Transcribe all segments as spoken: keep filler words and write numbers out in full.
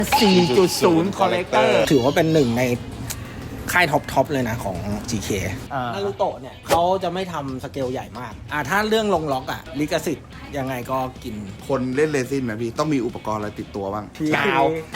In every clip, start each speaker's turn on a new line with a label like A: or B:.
A: สี่จุดศูนย์ Collector
B: ถือว่าเป็นหนึ่งในค่ายท็อปท็อปเลยนะของ จี เค
A: อ่า
B: นารูโตะเนี่ยเขาจะไม่ทำสเกลใหญ่มากอ่าถ้าเรื่องลงล็อกอ่ะลิขสิทธิ์ยังไงก็กิน
C: คนเล่นเรซินนะพี่ต้องมีอุปกรณ์อะไรติดตัวบ้าง
A: กาว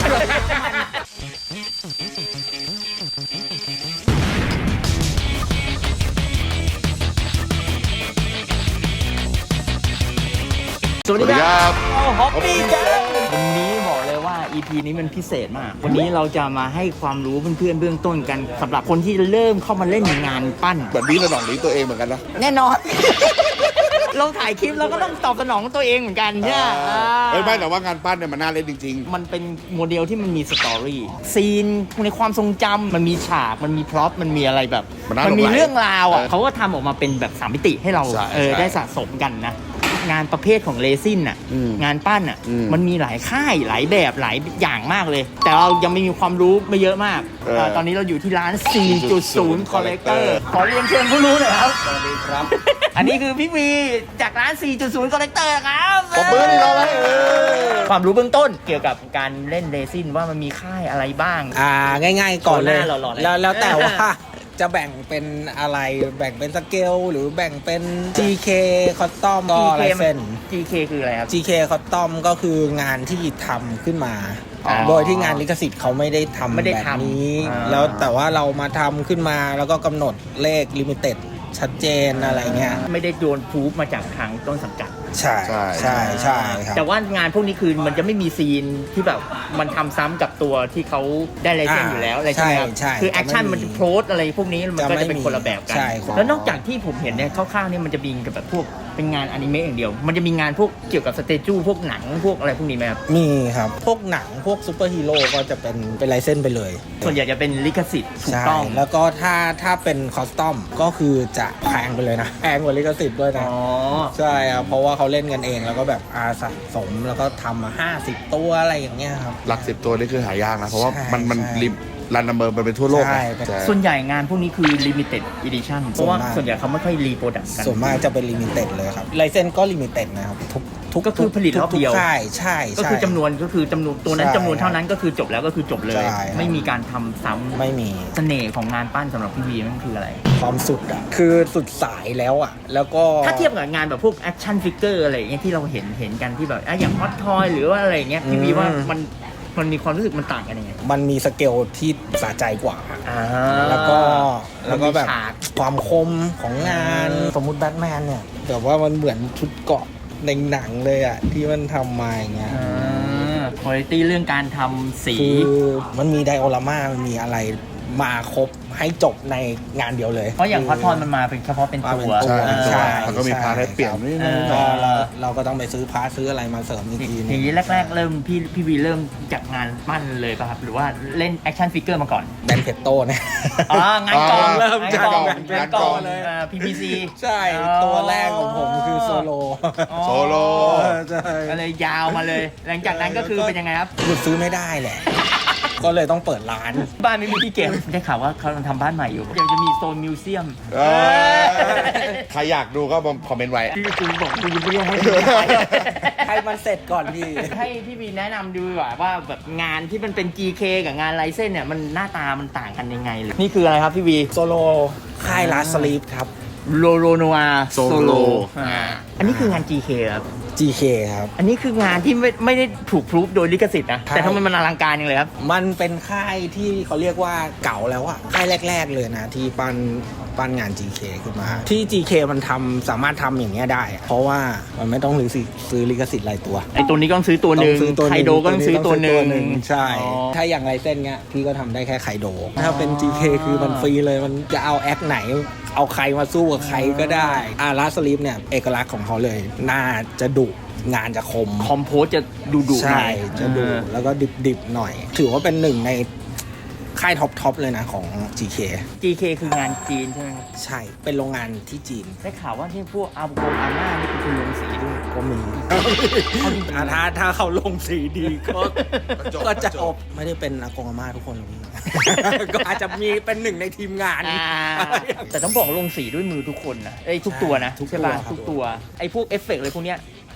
A: สวัสดีครับฮอปปี้แกงวันนี้บอกเลยว่า อี พี นี้มันพิเศษมาก วันนี้เราจะมาให้ความรู้เพื่อนๆเบื้องต้นกันสำหรับคนที่เริ่มเข้ามาเล่นงานปั้น
C: แบบนี้ระดับนี้ตัวเองเหมือนกันนะ
A: แน่นอน เราถ่ายคลิปเราก็ต้องตอบสนองตัวเองเหมือนกันใช่ไหม
C: เฮ้ยไม่แต่ว่างานปั้นเนี่ยมันน่าเล่นจริง
A: มันเป็นโมเดลที่มันมีสตอรี่ซีนในความทรงจำมันมีฉากมันมีพร็อพมันมีอะไรแบบ
C: มันน่าหลงไหล
A: มีเรื่องราวอ่ะ
C: เออ
A: เขาก็ทำออกมาเป็นแบบสามมิติให้เรา
C: ใช่
A: เออ
C: ใช่
A: ได้สะสมกันนะงานประเภทของเรซินอ่ะ
C: อืม
A: งานปั้นอ่ะ
C: อืม
A: มันมีหลายค่ายหลายแบบหลายอย่างมากเลย แต่เรายังไม่มีความรู้ไม่เยอะมาก
C: เออ
A: เออตอนนี้เราอยู่ที่ร้าน สี่จุดศูนย์ Collector ขอเรียนเชิญผู้รู้หน่อยครับ
B: สวัสดีครับ
A: อันนี้คือพี่วีจากร้าน สี่จุดศูนย์ Collector ครับ
C: ปรบมือให้เราเลยเออ
A: ความรู้เบื้องต้นเกี่ยวกับการเล่นเรซินว่ามันมีค่ายอะไรบ้าง
B: อ่าง่ายๆก่อนเลย
A: โชว์หน้าหล่อๆเลย
B: แล้วแล้วแต่ว่าจะแบ่งเป็นอะไรแบ่งเป็นสเกลหรือแบ่งเป็น จี เค Custom ก็อะไรเส้น
A: จี เค คืออะไรครับ
B: จี เค Custom ก็คืองานที่ทำขึ้นมา
A: อ๋อ
B: โดยที่งานลิขสิทธิ์เขาไม่ได้ทำ
A: ไม่ได้
B: แบบ
A: ทำ
B: นี้
A: อ่า
B: แล้วแต่ว่าเรามาทำขึ้นมาแล้วก็กำหนดเลขลิมิเต็ดชัดเจนอะไรเงี้ย
A: ไม่ได้โดนพูฟมาจากทางต้นสังกัด
B: ใช่
C: ใช่
B: ใช่ใช่ครับ
A: แต่ว่างานพวกนี้คือมันจะไม่มีซีนที่แบบมันทำซ้ำกับตัวที่เขาได้ไลเซนส์อยู่แล้วอะไรใช่ไหมครับ
B: ใช่ใช่
A: คือแอคชั่น
B: จะไม่มี
A: มันจะโพสอะไรพวกนี้มันก็
B: จะไม่
A: จะเป็นคนละแบบกัน
B: ใช่ครับ
A: แล้วนอกจากที่ผมเห็นเนี่ยคร่าวๆเนี่ยมันจะมีกับแบบพวกเป็นงานอนิเมะอย่างเดียว มันจะมีงานพวกเกี่ยวกับสเตจูพวกหนังพวกอะไรพวกนี้ไหมครับ
B: มีครับ พวกหนังพวกซูเปอร์ฮีโร่ก็จะเป็นเป็นไลเซนส์ไปเลย
A: ส่วนใหญ่จะเป็นลิขสิทธิ์ถูก
B: ใช่
A: ต้อง
B: แล้วก็ถ้าถ้าเป็นคอสตอมก็คือจะแพงไปเลยนะ แพงกว่าลิขสิทธิ์ด้วยนะ
A: อ๋อ
B: ใช่ครับเพราะว่าเขาเล่นกันเองแล้วก็แบบอาสะสมแล้วก็ทำมาห้าสิบตัวอะไรอย่างเงี้ยครับ
C: หลักสิบตัวนี่คือหายากนะ เพราะว่า
B: ใช่
C: มันมัน
B: ใช่
C: ริมรันนัมเบอร์มันเป็นทั่วโลก
B: ใช่
C: นะ
B: เป็น
A: ส่วนใหญ่งานพวกนี้คือ limited edition เพราะว่า
B: ส่วนมาก
A: ส่วนใหญ่เขาไม่ค่อยรีโปรดักต์กัน
B: ส่วนมากจะเป็นลิมิเต็ดเลยครับไลเซนก็ลิมิเต็ดนะครับทุกทุก
A: ก็คือผลิตรอบเดียว
B: ทุกค่ายใช่
A: ก็
B: ใช่
A: คือจำนวนก็คือจำนวนตัวนั้น
B: ใช่
A: จำนวนเท่านั้นก็คือจบแล้วก็คือจบเลย
B: ใช่ครับ
A: ไม่มีการทำซ้ำ
B: ไม่มี
A: เสน่ห์ของงานปั้นสำหรับพี่วีมันคืออะไร
B: ความสุดอ่ะคือสุดสายแล้วอ่ะแล้วก็
A: ถ้าเทียบกับงานแบบพวกแอคชั่นฟิกเกอร์อะไรอย่างเงี้ยที่เราเห็นเห็นกันที่แบบอ่ะอย่างฮอตทอยหรือว่าอะไรอย่างเงี้ยพี่วีว่ามันมันมีความรู้สึกมันต่างกันยังไง
B: มันมีสเกลที่สะใจกว่า
A: อ่า
B: แล้วก็แล้วก็แบบ
A: มันมีฉาก
B: ความคมของงาน
A: เออ
B: สมมุติแบทแมนเนี่ยแบบว่ามันเหมือนชุดเกราะในหนังเลยอ่ะที่มันทำมาอย่างเงี้ย
A: คุณภาพเรื่องการทำสี
B: คือมันมีไดโอรามามันมีอะไรมาครบให้จบในงานเดียวเลย
A: เพราะอย่างฮอตทอยมันมาเป็นเฉพาะเป็นตัว
C: ใช่
A: เออ
B: ใช่
C: แล้วก็มีพาร์ทให้เปลี่ยนนิดนึง
A: เอ
B: ก็
A: อ
B: เราเราก็ต้องไปซื้อพาร์ทซื้ออะไรมาเสริมอีกที
A: อ
B: นึ
A: ย่าง งนี้แรก ๆ เริ่มพี่พี่วีเริ่มจากงานปั้นเลยป่ะครับหรือว่าเล่นแอคชั่นฟิกเกอร์มาก่อน
B: แบนเพตโต้เนี่ย
A: อ๋องานกอง
B: เริ่มจาก
A: งานกอง
B: งานกองเลย
A: พี พี ซี
B: ใช่ตัวแรกของผมคือโซโล
C: โซโล
B: ใช่
A: ก็เลยยาวมาเลย หลังจากนั้นก็คือเป็นยังไงครับ
B: หยุดซื้อไม่ได้แหละ ก็เลยต้องเปิดร้าน
A: บ้านไม่มีที่เก็บได้ข่าวว่าเขากำลังทำบ้านใหม่อยู่เดี๋ยวจะมีโซนมิวเซียม
C: เออใครอยากดูก็คอมเมนต์ไว้
A: พี่กูบอกกูยังไม่ได้ให้ดู
B: ให้มันเสร็จก่อนพี่
A: ให้พี่วีแนะนำดูดีกว่าว่าแบบงานที่มันเป็น จี เค กับงานไลเซนเนี่ยมันหน้าตามันต่างกันยังไงเลยนี่คืออะไรครับพี่วี
B: โซโลค่ายลาสลีฟครับ
A: โลโรโนอาโซโล
C: Solo
A: อันนี้คืองาน จี เค ครับ
B: จี เค ครับ
A: อันนี้คืองานที่ไม่ไม่ได้ถูกพรูฟโดยลิขสิทธิ์นะ
B: ใช่
A: แต่ทำไมมันอลังการอย่างเลยครับ
B: มันเป็นค่ายที่เขาเรียกว่าเก่าแล้วอะค่ายแรก ๆ เลยนะ ที่ปั้นปั้นงาน จี เค ขึ้นมา ที่ จี เค มันทำสามารถทำอย่างเงี้ยได้อะเพราะว่ามันไม่ต้องซื้อสิซื้อลิขสิทธิ์รายตัว
A: ไอตัวนี้ก็ต้องซื้อตัวหนึ่ง
B: ต้องซื้อตัวหนึ่ง
A: ไคโดก็ต้องซื้อตัวหนึ่ง
B: ใช่
A: อ๋อ
B: ถ้าอย่างไรเส้นเงี้ยพี่ก็ทำได้แค่ไคโด ถ้าเป็น จี เค คือมันฟรีเลยมันจะเอาแอคไหน เอาใครมาสู้กับใครก็ได้อาราสลีฟเนี่ยเอกลักษณ์ของเขาเลยหน้าจะดุงานจะคม
A: คอมโพสจะดูดุหน่
B: ใช่
A: อย
B: จะดุ
A: เออ
B: แล้วก็ดิบๆหน่อย ถือว่าเป็นหนึ่งในค่ายท็อปท็อปเลยนะของ จี เค
A: จี เค คืองานจีนใช่ไหมครับ
B: ใช่เป็นโรงงานที่จีน
A: ได้ข่าวว่าที่พวกอาบุโกงอาม่านี่คือคุณลงสีด้วย
B: ก็มีอ่ะถ้าถ้าเขาลงสีดีก็ก็จะอบไม่ได้เป็นอากงอาม่าทุกคนหรอกพี่ ก็อาจจะมีเป็นหนึ่งในทีมงาน
A: อ่าแต่ต้องบอกลงสีด้วยมือทุกคนนะไอ้ยทุกตัวนะ
B: ทุกตัว
A: ใช่ป่ะ
B: ครับ
A: ทุกตัวไอ้พวกเอฟเฟกต์อะไรพวกเนี้ย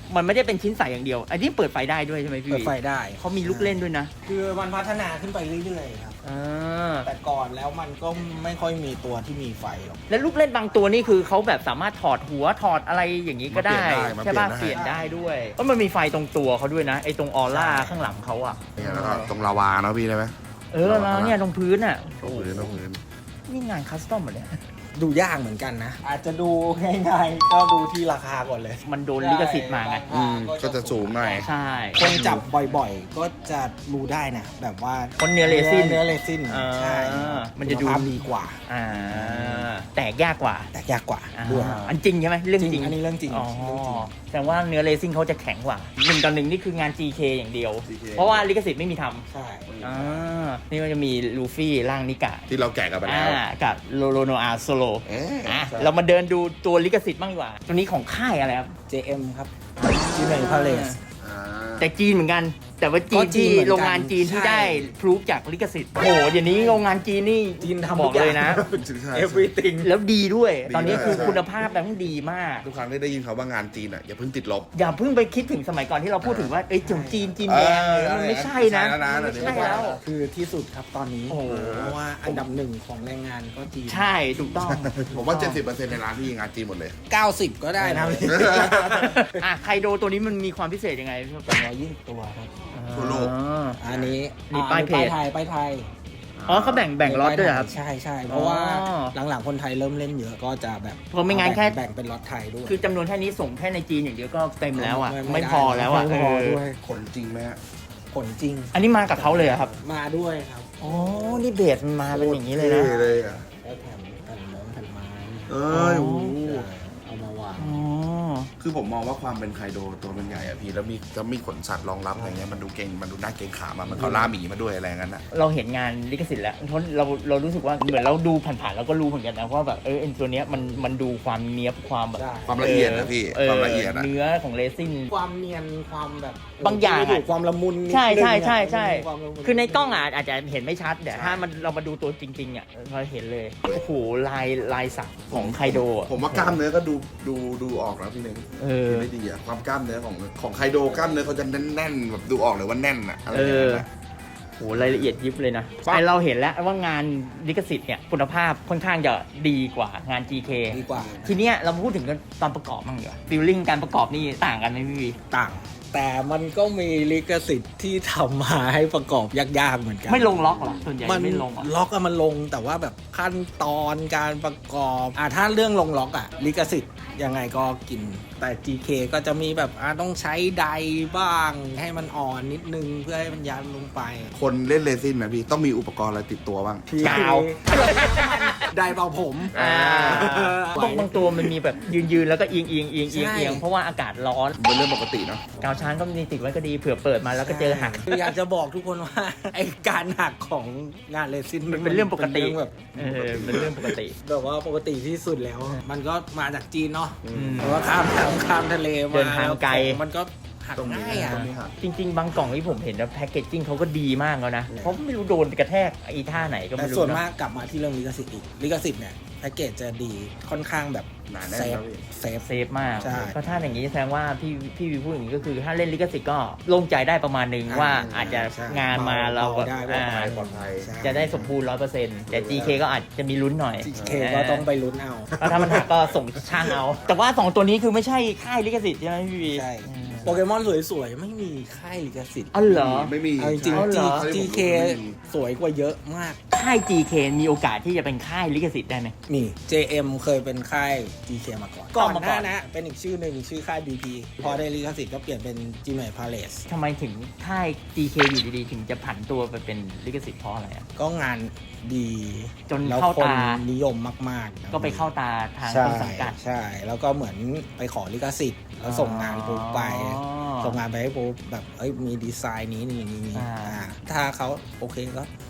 A: มันไม่ได้เป็นชิ้นใสอย่างเดียว อันนี้เปิดไฟได้ด้วยใช่ไหมพี่
B: เปิดไฟได้
A: เขามีลูกเล่นด้วยนะ
B: คือมันพัฒนาขึ้นไปเรื่อยๆครับ
A: อ่า
B: แต่ก่อนแล้วมันก็ไม่ค่อยมีตัวที่มีไฟหรอก
A: แล้วลูกเล่นบางตัวนี่คือเขาแบบสามารถถอดหัวถอดอะไรอย่างนี้ก็ได้
C: มาเปลี่ยนได้
A: ใช่ป่ะ
C: มา
A: เป
C: เปลี่
A: ลี่ย
C: ย
A: น
C: นได้
A: ได้ด้วยเพราะมันมีไฟตรงตัวเขาด้วยนะไอ้ตรงออร่าข้างหลังเขาอ่ะ
C: เนี่ยแล้วก็ตรงลาวาเนาะพี่ได้ไหม
A: เออแล้วเนี่ยตรงพื้นอ่ะ
C: ตรงพื้นตรงพื้น
A: นี่งานคัสตอมเหรอเนี่ย
B: ดูยากเหมือนกันนะ อาจจะดูง่ายๆก็ดูที่ราคาก่อนเลย
A: มันโดนลิขสิทธิ์มาไง
C: อืมก็จะสูงหน่อย
A: ใช่
B: คนจับบ่อยๆ ก็จะรู้ได้นะ แบบว่า
A: คนเนื้อเรซิน
B: เนื้อเรซิน
A: อ่า
B: ใช่
A: มันจะดู
B: คุณภาพดีกว่า
A: อ่าแตกยากกว่า
B: แต่ยากกว่า
A: อ่า
B: ด้วย
A: อันจริงใช่ไหมเรื่องจ
B: จริ
A: ริง
B: งอันนี้เรื่องจริง
A: อ๋อ
B: เรื่องจริง
A: แต่ว่าเนื้อเรซินเขาจะแข็งกว่าหนึ่งต่อหนึ่งนี่คืองาน จี เค อย่างเดียว
C: จี เค
A: เพราะว่าลิขสิทธิ์ไม่มีท
B: ใช่
A: ำอ่านี่มันจะมีลูฟี่ร่างนิกะ
C: ที่เราแกะกันไป
A: อ่า
C: แล้ว
A: กับโลโลโนอาโซโล
C: เอ๊ะ
A: อ่ะ
C: ใช่
A: เรามาเดินดูตัวลิขสิทธิ์บ้างดีกว่า ตัวนี้ของค่ายอะไรครับ
B: เจ เอ็ม ครับจีเมนพาเลส
C: อ่า
A: แต่จีนเหมือนกัน แต่ว่าจี
B: ก็
A: น
B: จีน
A: ที่
B: เหมือนกัน
A: โรงงานจีนที่
B: ใช่
A: ได้พรูฟจากลิขสิทธิ์โอ้โหเดี๋ยวนี้โรงงานจีนนี่
B: จีนทำ
A: บอกเลยนะ
C: ใช่
B: everything
A: แล้วดีด้วย
C: ดี
A: ตอนนี้
C: ด้วย
A: คือ
C: ใช่
A: คุณภาพแบบดีมาก
C: ทุกครั้งที่ได้ยินเขาว่างานจีนอ่ะอย่าเพิ่งติดลบ
A: อย่าเพิ่งไปคิดถึงสมัยก่อนที่เราพูดถึงว่าเอ้ยจงจีนจีนแดงเลย
C: เออ
A: มันไม่ใช่นะ
C: ไม่ใช่แล้วนะ
A: ไม่
C: เดี๋ยวนี้
A: ใช่แล้ว
B: คือที่สุดครับตอนนี้
A: โอ้โห
B: เพราะว่าอันดับหนึ่งของแรงงานก็จีน
A: ใช่ถูกต้อง
C: ผมว่า เจ็ดสิบเปอร์เซ็นต์ ในร้านที่งานจีนหมดเลย
B: เก้าสิบก็ได้นะ
A: อ่ะไคโดตัวนี้มันมีความพิเศษยังไงพี่
B: สองร้อยยี่สิบตัวครับ
C: ทั่วโลก
A: อ๋อ
B: อันนี้
A: นี่
B: อ่
A: ป้ายเพจ
B: ไทยป้ายไทย
A: อ๋อเขาแบ่งแบ่งล็อตด้วยเหรอครับ
B: ใช่ใช่เพราะว่า
A: อ๋อ
B: หลังๆคนไทยเริ่มเล่นเยอะก็จะแบบ
A: เพราะไม่งั้นแค่
B: แบ่งเป็นล็อตไทยด้วย
A: คือจำนวนแค่นี้ส่งแค่ในจีนอย่างเดียวก็เต็มแล้วอ่ะ
B: ไม่
A: ไม่
B: ได้
A: พอแล้วอ่ะ
B: ไม่พอ
A: เออ
B: ด้วย
C: ขนจริงไหมฮะ
B: ผลจริง
A: อันนี้มากับเขาเลยเหรอครับ
B: มาด้วยครับ
A: อ๋อนี่เบสมันมาเป็นอย่างนี้เลยนะ
C: ท่เลยอ่ะ
B: แล้วแถมแผ่นมงแผ่นไม้
C: เอ้ยโอ้โห
B: เอามาวาง
A: อ๋อ
C: คือผมมองว่าความเป็นไคโดตัวมันใหญ่อะพี่แล้วมีจะมีขนสัตว์รองรับอะไรเงี้ยมันดูเก่งมันดูน่าเกรงขามอะมันเขาล่าหมีมาด้วยอะไรงั้นอะ
A: เราเห็นงานลิขสิทธิ์แล้วเพราะเราเรารู้สึกว่าเหมือนเราดูผ่านๆเราก็รู้เหมือนกันนะว่าแบบเออไอ้ตัวเนี้ยมันมันดูความเนี้ยบความแบบ
B: ใช่
C: ความละเอียดนะพี่
A: เออ
C: ความละเอียดอะ
A: เนื้อของเรซิน
B: ความเนียนความแบบ
A: บางอย่างอะ
B: ความละมุนนิด
A: ใช่
B: นึง
A: ใช่ใช่
B: อะ
A: ใช่
B: ความละมุน
A: คือในกล้องอ่ะอาจจะเห็นไม่ชัดแต่
C: ใช่
A: ถ้ามันเรามาดูตัวจริงๆอ่ะเราเห็นเลยโอ้โหลายลายสักของไคโดอะ
C: ผมว่ากล้ามเนื้อก็ดูดูดูออกนะพี่เน่ง
A: เออ
C: ไม่ดีอะความกล้ามเนื้อของของไคโดกล้ามเนื้อเขาจะแน่นๆแบบดูออกเลยว่าแน่นอะอะไรอย่างเงี้ยนะ
A: โหรายละเอียดยิบเลยนะ
C: ปั๊บ
A: ไอเราเห็นแล้วว่างานลิขสิทธิ์เนี่ยคุณภาพค่อนข้างจะดีกว่างาน จี เค
B: ดีกว่า
A: ทีเนี้ยเรามาพูดถึงตอนประกอบบ้างดีกว่าบิลลิ่งการประกอบนี่ต่างกันไหมพี่วี
B: ต่าง แต่มันก็มีลิขสิทธิ์ที่ทำมาให้ประกอบยากๆเหมือนกัน
A: ไม่ลงล็อกเหรอส่วนใหญ่
B: มัน
A: ไม่ลงเหรอ
B: ล็อกอะมันลงแต่ว่าแบบขั้นตอนการประกอบอ่ะถ้าเรื่องลงล็อกอะลิขสิทธิ์ยังไงก็กิน แต่ จี เค ก็จะมีแบบอ่ะต้องใช้ไดบ้างให้มันอ่อนนิดนึงเพื่อให้มันยันลงไป
C: คนเล่นเรซินนะพี่ต้องมีอุปกรณ์อะไรติดตัวบ้าง
A: กาว
B: ไดเป่าผม
A: อ่าบางบางตัวมันมีแบบยืนยืนๆแล้วก็เอียงเอียงเอียงเอียง
B: ใช่
A: เอียงเพราะว่าอากาศร้อน
C: เป็นเรื่องปกติเนาะ
A: กาวช้างก็มีติดไว้ก็ดีเผื่อเปิดมาแล้วก็เจอหัก
B: คืออยากจะบอกทุกคนว่า ไอการหักของงานเรซิน
A: มันเป็นเรื่องปกติ
B: เป็นเรื่องแบบ
A: เออเป็นเรื่องปกติ
B: แบบว่าปกติที่สุดแล้ว มันก็มาจากจีนเนาะ
A: อืม
B: แต่ว่าข้ามน้ำข้ามทะเลมา
A: เดินทางไกล
B: แล้วมันก็หัก
C: ตรงนี้
B: ง่ายอ่ะ
C: ตรงนี้หัก
A: จริง ๆ บางกล่องที่ผมเห็นนะแพคเกจจิ้งเขาก็ดีมากแล้วนะเพราะไม่รู้โดนกระแทกไอ้ท่าไหนก็
B: แต่
A: ไม่รู้
B: ส่วน
A: นะ
B: มากกลับมาที่เรื่องลิขสิทธิ์อีกลิขสิทธิ์เนี่ยแพ็กเกจจะดีค่อนข้างแบบ
C: หนาแน่น
B: เซฟ
C: ครับพี่
B: เซฟ
A: เซฟมาก
B: ใช่
A: ก็ถ้าอย่างนี้แสดงว่าพี่พี่วีพูดอย่างนี้ก็คือถ้าเล่นลิขสิทธิ์ก็โล่งใจได้ประมาณนึง
B: อ่า
A: ว่าอาจจะ
B: ใช่
A: งานมาเรา
B: เบาได้
A: อ่า
B: เบา
C: ปลอดภัย
B: ใช่
A: จะได้สมบูรณ์ร้อยเปอร์เซ็นต์แต่ จี เค ก็อาจจะมีลุ้นหน่อย
B: จี เค ก็ต้องไปลุ้นเอา
A: แล้วถ้ามันหักก็ส่งช่างเอา แต่ว่าสองตัวนี้คือไม่ใช่ค่ายลิขสิทธิ์ใช่ไหมพี่วี
B: ใช่
A: อืม
B: โปเกมอนสวยๆ ไม่มีค่ายลิขสิทธิ์
A: อ๋อเหรอ
C: ไม่มี
B: เอาจริง
A: เอาเหรอ
B: ๆ จี เค สวยกว่าเยอะมาก
A: ค่าย จี เค มีโอกาสที่จะเป็นค่ายลิขสิทธิ์ได้ไหม
B: มี เจ เอ็ม เคยเป็นค่าย จี เค มาก่อน
A: ก่
B: ก่
A: อ
B: อน น
A: มา
B: ห
A: ก่อ
B: น้าน นะ เป็นอีกชื่อหนึ่งชื่อค่าย บี พี พอได้ลิขสิทธิ์ก็เปลี่ยนเป็น จี เอ็ม Palace
A: ทำไมถึงค่าย จี เค อยู่ดีๆ ถึงจะผันตัวไปเป็นลิขสิทธิ์เพราะอะไรอ่ะ
B: ก็งานดี
A: จน
B: แล้ว
A: เข้า
B: คน
A: ตา
B: นิยมมากๆนะ
A: ก็ไปเข้าตาทาง
B: ใช่
A: ต้นสังกัด
B: ใช่ แล้วก็เหมือนไปขอลิขสิทธิ์แล้วส่งงานปุ๊บไป
A: อ๋อ
B: ส่งงานไปให้ปุ๊บแบบเอ้ยมีดีไซน์นี้นี่นี่นี่
A: อ่า
B: อ่าถ้าเขาโอเคก็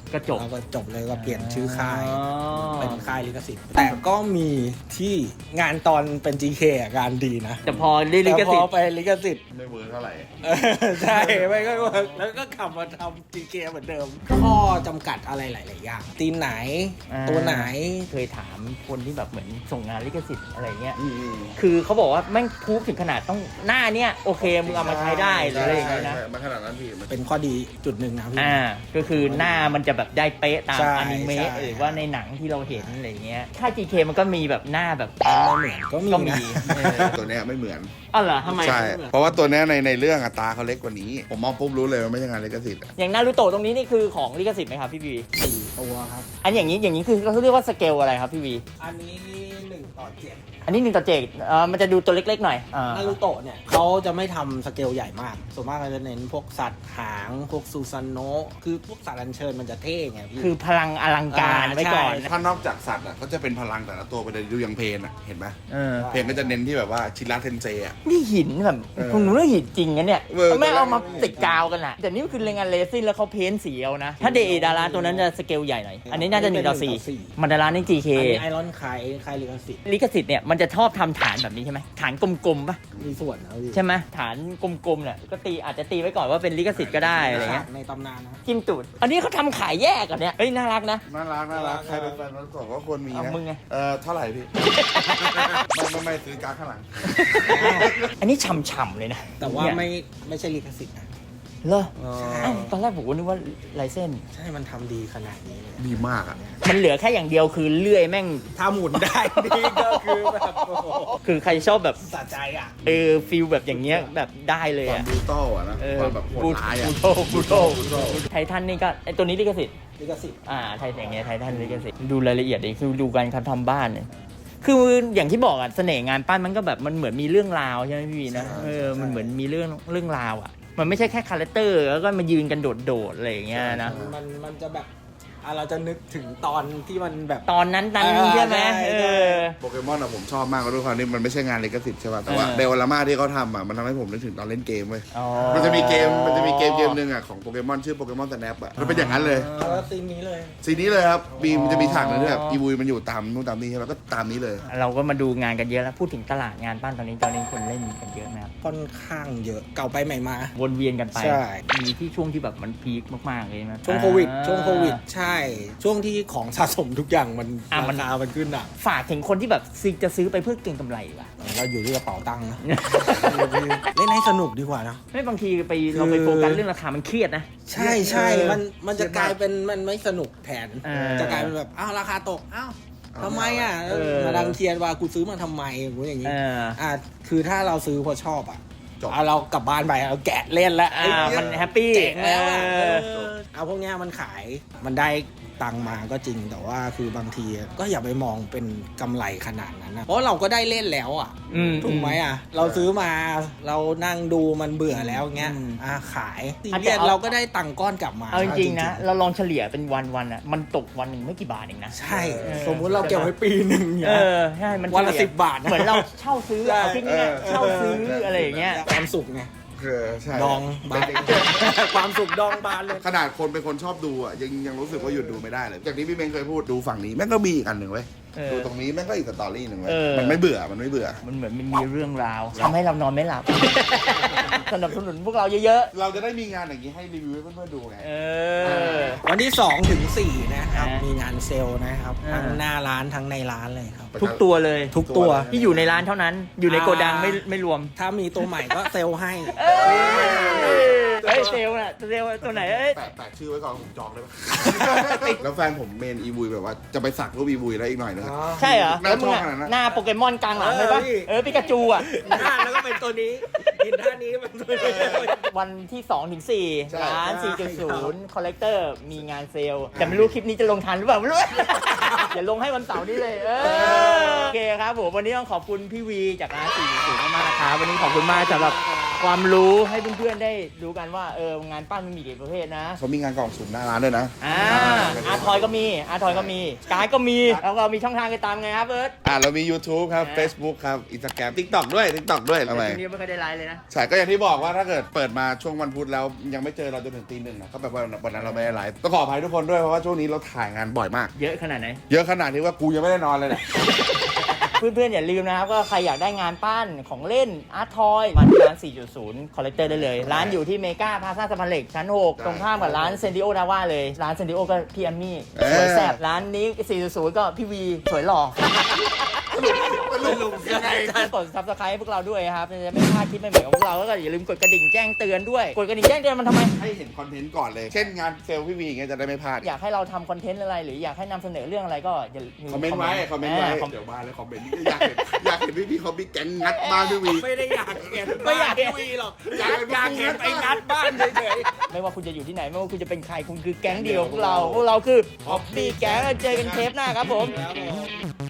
A: ก็จบ
B: แล้วก็จบเลยก็เปลี่ยนชื่อค่าย
A: อ๋อ
B: เป็นค่ายลิขสิทธิ์แต่ก็มีที่งานตอนเป็น จี เค อ่ะงานดีนะ
A: แต่พอได้ลิข
B: แต่พ
A: สิ
B: อ
A: ทธิ์
B: ไปลิขสิทธิ์
C: ไม่เวิร์กเท่าไหร่
B: เออใช่ไม่ก็เวิร์กแล้วก็กลับมาทำ จี เค เหมือนเดิม ข้อจำกัดอะไรหลาย ๆ อย่างตีมไหน
A: อ่า
B: ตัวไหน
A: เคยถามคนที่แบบเหมือนส่งงานลิขสิทธิ์อะไรเงี้ย
C: อืม
A: คือเขาบอกว่าแม่งพูฟถึงขนาดต้องหน้าเนี้ยโอเคมึงเอามาใช้ได้หรืออะไรอย่างเงี้ยนะ
C: ใช่มันขนาดนั้นพี่มัน
B: เป็นข้อดีจุดหนึ่งนะพี่
A: อ่า ก็คือหน้ามันจะแบบได้เป๊ะตาม
B: ใช่
A: อนิเมะ
B: ใช่
A: หรือว่าในหนังที่เราเห็นอะไรเงี้ยค่าย จี เค มันก็มีแบบหน้าแบบ
B: ไม่เหมือนก็มี
A: ก็มี
B: นะ
A: เออ
C: ตัวเนี้ยไม่เหมือน
A: อ๋อเหรอทำไม
C: ใช่ เพราะว่าตัวเนี้ยในในเรื่องอะตาเขาเล็กกว่านี้ ผมมองปุ๊บรู้เลยว่าไม่ใช่งานลิขสิทธิ์อะ
A: อย่างนารูโตะตรงนี้นี่คือของลิขสิทธิ์ไหมครับพี่วี
B: สี่ตัวครับ
A: อันอย่างนี้อย่างนี้คือเขาเรียกว่าสเกลอะไรครับพี่วี
B: อันนี้หนึ่งต่อเจ็ด
A: อันนี้หนึ่งต่อเจ็ดเออมันจะดูตัวเล็กๆหน่อยอ่า
B: นารูโตะเนี่ยเขาจะไม่ทำสเกลใหญ่มาก ส่วนมากเขาจะเน้นพวกสัตว์หาง พวกซูซานโนะคือพวกสัตว์อัญเชิญมันจะเท่ไงพี่
A: คือพลังอลังการ
B: อ่า
A: ไว้ก่อน
B: ใช่
C: ถ้านอกจากสัตว์อะก็จะเป็นพลังแต่ละตัวไปเลยดูอย่างเพลนอะเห็นไหม
A: เออ
C: เพลงก็จะเน้นที่แบบว่าชิระเทนเซอะ
A: นี่หินแบบ
C: เออ
A: คุณรู้ว่าหินจริงนะเนี่ย
C: เออ
A: ไม่เอามาติดกาวกันอะแต่นี่มันคือเรงงานเลซินแล้วเขาเพ้นสีเอานะ ถ้าเดดาราตัวนั้นจะสเกลใหญ่หน่อย อันนี้น่าจะหนึ่งต่อสี่มันดารานี่ จี เค
B: อันนี้ไอรอนไคไคลิกาสิ
A: ลิขสิทธิ์เนี่ยมันจะชอบทำฐานแบบนี้ใช่ไหมฐานกลมๆปะ
B: มีส่วนนะพี่
A: ใช่ไหมฐานกลมๆเนี่ยก็ตีอาจจะตีไว้ก่อนว่าเป็นลิขสิทธิ์ก็ได้อะไรเงี้ย
B: ในตำนานนะ
A: จิ้มตูดอันนี้เขาทำขายแยกอ่ะเนี่ยเฮ้ยน่ารักนะ
C: น่ารักน่ารักใครเป็นแฟนรถสองก็ควรมี
A: เอา
C: นะ
A: มึงไง
C: เออเท่าไหร่พี่ ไม่ไม่ไม่ซื้อการ์ดข้างหลัง
A: อันนี้ฉ่ำๆเลยนะ
B: แต่ว่า
A: เนี่ย
B: ไม่ไม่ใช่ลิขสิทธิ์นะ
A: เหรอ
B: ใช่
A: อ้าวตอนแรกผมก็นึกว่าลายเส้น
B: ใช่มันทำดีขนาดนี้เลย
C: ดีมากอ่ะ
A: มันเหลือแค่อย่างเดียวคือเลื่อยแม่ง
B: ถ้าหมุนได้นี่ก็คือแบบโอ้โห
A: คือใครชอบแบบ
B: สะใจอ่ะ
A: เออฟิลแบบอย่างเงี้ยแบบได้เลย
C: ความ
A: อ่ะ
C: บรูตัลอ่ะนะ
A: เออ
C: ความแบบโหดร้ายอ่ะ
A: บูโตบูโตไททันนี่ก็ไอตัวนี้ลิขสิทธิ์
B: ลิขสิทธิ์
A: อ่าไทยอย่างเงี้ยไททันลิขสิทธิ์ดูรายละเอียดดิคือดูการเขาทำบ้านเนี่ยคืออย่างที่บอกอะเสน่ห์งานปั้นมันก็แบบมันเหมือนมีเรื่องราวใช่ไหมพี่วีนะเออมันเหมือนมีเรื่องเรื่องราวอะมันไม่ใช่แค่คาแรคเตอร์แล้วก็มายืนกันโดดๆอะไรอย่างเงี้ยนะ
B: มันมันจะแบบอ่ะเราจะนึกถึงตอนที่มันแบบ
A: ตอนนั้นนั้น
B: เออ
A: ใช่ไหม
B: ใช่
A: เอ
B: ใช่
A: อ
C: โปเกมอนอะผมชอบมากด้วยความที่มันไม่ใช่งานลิขสิทธิ์ใช่ป่ะแต่ว่า
A: เออ
C: เดลลาม่าที่เขาทำอะมันทำให้ผมนึกถึงตอนเล่นเกมเว้ย
A: อ๋อ
C: มันจะมีเกมมันจะมีเกมเกมหนึ่งอะของโปเกมอนชื่อโปเกมอนสแนปอะมันเป็นอย่างนั้นเลย
B: แล้วซีนนี้เลย
C: ซีนนี้เลยครับมีมันจะมีฉากหนึงที่แบบอีวูมันอยู่ตามนู่นตามนี่ใช่ไหมก็ตามนี้เลย
A: เราก็มาดูงานกันเยอะแล้วพูดถึงตลาดงานปั้นตอนนี้ตอนนี้คนเล่นกันเยอะนะครับ
B: ค่อนข้างเยอะเก่าไปใหม่มา
A: วนเวียนกันไป
B: ใช่
A: มีที่ช่วงที่แบบมันพีคมากๆเลยนะ
B: ช่วงโควิด
A: อ่า
B: ช่วงโควิด ใช่ ช่วงที่ของสะสมทุกอย่างมัน
A: อ่ะมั
B: ราน คามันขึ้นอ่ะ
A: ฝากถึงคนที่แบบซื้อจะซื้อไปเพื่อเก็งกำไรว่ะ
B: เราอยู่ที่กระเป๋าตังค์นะ เล่นให้สนุกดีกว่าเนอะ
A: ไม่บางทีไป
B: คือ
A: เราไปโฟกัสเรื่องราคามันเครียดนะ
B: ใช่ใช่
A: เออ
B: มันมันจะกลายเป็นมันไม่สนุกแทน
A: เออ
B: จะกลายเป็นแบบอ้าวราคาตกอ้าวทำไมอ่ะ
A: เออ
B: มาดังเทียนว่ากูซื้อมาทำไมอย่างงี้อย่างงี้
A: เออ
B: อ่ะคือถ้าเราซื้อเพราะชอบอ่ะ
C: จบ
B: เอาเรากลับบ้านไปเราแกะเล่นแล้ว
A: อ่ามันแฮปปี้
B: เจ๋งแล้วอ่ะ
A: เออ
B: เออเอาพวกเนี้ยมันขายมันได้ตังค์มาก็จริงแต่ว่าคือบางทีก็อย่าไปมองเป็นกำไรขนาดนั้นนะเพราะเราก็ได้เล่นแล้วอ่ะ
A: อืม
B: ถูกไหมอ่ะ เราซื้อมาเรานั่งดูมันเบื่อแล้วเงี้ย
A: อืม
B: อ่ะขายซี
A: อ่ะแต่
B: เรียส
A: เอา
B: เราก็ได้ตังค์ก้อนกลับมา
A: เอาจริงๆนะ
B: จ
A: เราลองเฉลี่ยเป็นวันวันๆอ่ะมันตกวันหนึ่งไม่กี่บาทเองนะ
B: ใช่
A: เออ
B: สมมุติเราเก็บไว้ปีหนึ่งเนี่
A: เอย อใช่มัน
B: วันละ
A: เฉย
B: สิบบาทนะ
A: เหมือนเราเช่าซื้อ
B: ใช่
A: เอาที่นี่
C: เออ
A: เช่าซื้ออะไรอย่างเงี้ย
B: ความสุขไง
C: เออใช่
B: ดองบานความสุขดองบานเลย
C: ขนาดคนเป็นคนชอบดูอ่ะยังยังรู้สึกว่าหยุดดูไม่ได้เลยอย่างที่พี่เมงเคยพูดดูฝั่งนี้แม่งก็มีอีกอันหนึ่งเว้ย
A: เออ
C: ดูตรงนี้แม่งก็อีกสตอรี่หนึ่งเว้ย
A: เออ
C: มันไม่เบื่อมันไม่เบื่อ
A: มันเหมือนมันมีเรื่องราวทำให้เรานอนไม่หลับ สนับสนุนพวกเราเยอะ
C: เราจะได้มีงานอย่างนี้ให้รีวิวให้เพื่อนๆดูไง
A: ๆเออ
B: วันที่สองถึงสี่นะครับ
A: อ่ามี
B: มีงานเซลล์นะครับ
A: อ่า
B: ทั้งหน้าร้านทั้งในร้านเลยครับ
A: ทุกตัวเลย
B: ทุกตัว
A: ที่อยู่ในร้านเท่านั้น อยู่ในโกดังไม่ไม่รวม
B: ถ้ามีตัวใหม่ก็เซลล์ให้
A: เอ้ยเฮ้ยเซลล์น่ะเซลล์ตัวไหนเอ้ย
C: แปะแปะชื่อไว้ก่อนผมจองได้ปะ แล้วแฟนผมเมนอีบุยแบบว่าจะไปสักรูปอีบุยแล้วอีกหน่อยนึง
A: ใช่เหรอ
C: น่า
A: แล้วมึง
C: ชอบ
A: อะ
C: ขนาดนั้น
A: หน้าโปเกมอนกลางหลังเลยปะ
B: เออพี่
A: เออปิกาจูอ่ะ
B: หน้าแล้วก็เป็นตัวนี้กินท่านี้เป็นตัวนี้
A: วันที่สองถึงสี่
C: ใช่
A: ร้าน
B: ใช่
A: สี่จุดศูนย์ คอลเลกเตอร์มีงานเซลล์ แต่ไม่รู้คลิปนี้จะลงทันหรือเปล่าไม่รู้ อย่าลงให้วันเสาร์นี้เลยเออโอเคครับผมวันนี้ต้องขอบคุณพี่วีจากร้านสี่จุดศูนย์มากๆนะครับวันนี้ขอบคุณมากสำหรับความรู้ให้เพื่อนๆได้รู้กันว่าเอองานปั้นมันมีกี่ประเภทนะ
C: เขามีงานกล่องสุ่มหน้าร้านด้วยนะ
A: อ่าอาร์ทอยก็มีอาร์ทอยก็มีการ์ดก็มีแล้วก็มีช่องทางการตามไงครับเอิร์ธ
C: อ่าเรามี YouTube ครับ
A: อ่า
C: Facebook ครับ Instagram TikTok ด้วย TikTok ด้วยทำไม
A: ช่วงนี้ไม่ค่อยได้ไลฟ์เลยนะ
C: ใช่ก็อย่างที่บอกว่าถ้าเกิดเปิดมาช่วงวันพุธแล้วยังไม่เจอเราจนถึงตีหนึ่งนะก็แบบว่าวันนั้นเราไม่ได้ไลฟ์ต้องขออภัยทุกคนด้วยเพราะว่าช่วงนี้เราถ่ายงานบ่อยมาก
A: เยอะขนาดไหน
C: เยอะขนาดที่ว่ากูยังไม่ได้นอนเลยแหละ
A: เพื่อนๆอย่าลืมนะครับว่าใครอยากได้งานปั้นของเล่นอาร์ตทอยมาที่ร้าน สี่จุดศูนย์ คอลเลกเตอร์ได้เลย ร้านอยู่ที่เมกาพาซาสะพานเหล็กชั้นหก
C: ได้
A: ตรงข้ามกับร้านเซนดิโอดาว่าเลย ร้านเซนดิโอก็พี่แอมมี่
C: เออ
A: สวยแซ่บร้านนี้ สี่จุดศูนย์ ก็พี่วีสวยหล่อ
C: ยังไง
A: กด ซับสไครบ์ พวกเราด้วยครับจะไม่พลาดคลิปใหม่ๆของพวกเราแล้วก็อย่าลืมกดกระดิ่งแจ้งเตือนด้วยกดกระดิ่งแจ้งเตือนมันทำไม
C: ให้เห็นคอนเทนต์ก่อนเลย เช่นงานเซลล์พี่วีอย่างเงี้ยจะได้ไม่พลาด
A: อยากให้เราทำคอนเทนต์อะไรหรืออยากให้นำเสนอเรื่องอะไรก็อย่าลืม
C: คอมเมนต์ไว้ คอมเมนต์ไว้
A: าคอม
C: เดี๋ยวมาเลยคอมเมนต์อยากเห็นอยากเห็นพี่พี่เขามีแก๊งงัดบ้านพี่วี
B: ไม่ได้อยากเห็น
A: ไม่อยากเห็น
B: วีหรอก
C: อยากเห็น
B: อยากเห็นไปงัดบ้านเฉย
A: ไม่ว่าคุณจะอยู่ที่ไหนไม่ว่าคุณจะเป็นใครคุณคือแก๊งเดียวพวกเราพวกเราคือฮอปปี้แก๊งเจอกันเทปหน้าครับผม
B: ๆ